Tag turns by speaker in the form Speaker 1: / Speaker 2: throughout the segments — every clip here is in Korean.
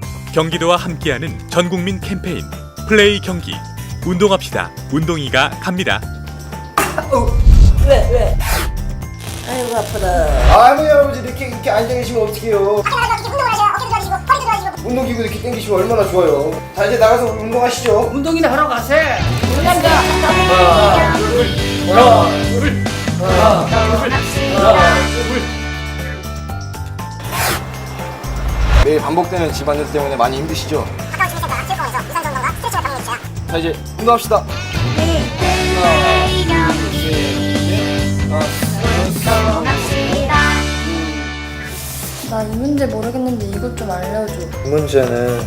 Speaker 1: 경기도와 함께하는 전국민 캠페인 플레이 경기. 운동합시다. 운동이가 갑니다.
Speaker 2: 왜? 아이고 아프다.
Speaker 3: 아니 할아버지 이렇게 앉아 계시면 어떡해요. 운동기구 이렇게 당기시면 얼마나 좋아요. 자 이제 나가서 운동하시죠.
Speaker 2: 운동이나 하러 가세. 남자.
Speaker 3: 하나 둘. 매일 반복되는 집안일 때문에 많이 힘드시죠? 자 이제 운동합시다.
Speaker 4: 나 이 문제 모르겠는데 이것 좀 알려줘.
Speaker 3: 이 문제는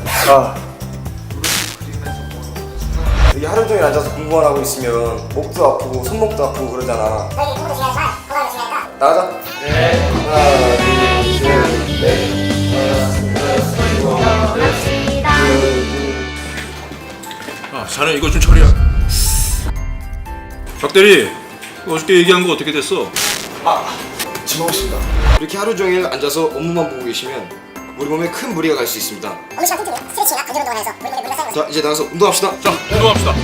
Speaker 3: 여기 하루 종일 앉아서 공부만 하고 있으면 목도 아프고 손목도 아프고 그러잖아. 나가자. 네. 하나 둘셋넷
Speaker 5: 자네 이거 좀 처리해. 박대리, 어저께 얘기한 거 어떻게 됐어?
Speaker 3: 지먹었습니다. 이렇게 하루 종일 앉아서 업무만 보고 계시면 우리 몸에 큰 무리가 갈 수 있습니다.
Speaker 6: 업무 시간 틈틈이 스트레칭이나 근력 운동을 해서 우리 몸에 물러 쌓인
Speaker 3: 자 이제 나가서 운동합시다.
Speaker 5: 자, 운동합시다.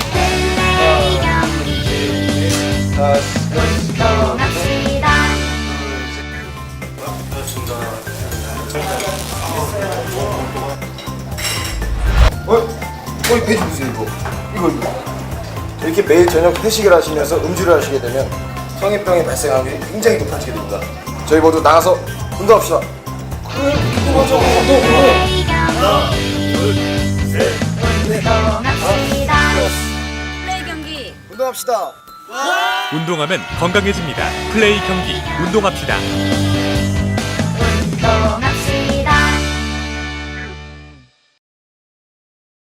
Speaker 3: 어이 배지 무슨 이거 이렇게 매일 저녁 회식을 하시면서 음주를 하시게 되면 성인병이 발생하는 게 굉장히 높아지게 됩니다. 저희 모두 나가서 운동합시다.
Speaker 7: 플레이 경기.
Speaker 3: 운동합시다.
Speaker 1: 운동하면 건강해집니다. 플레이 경기. 운동합시다.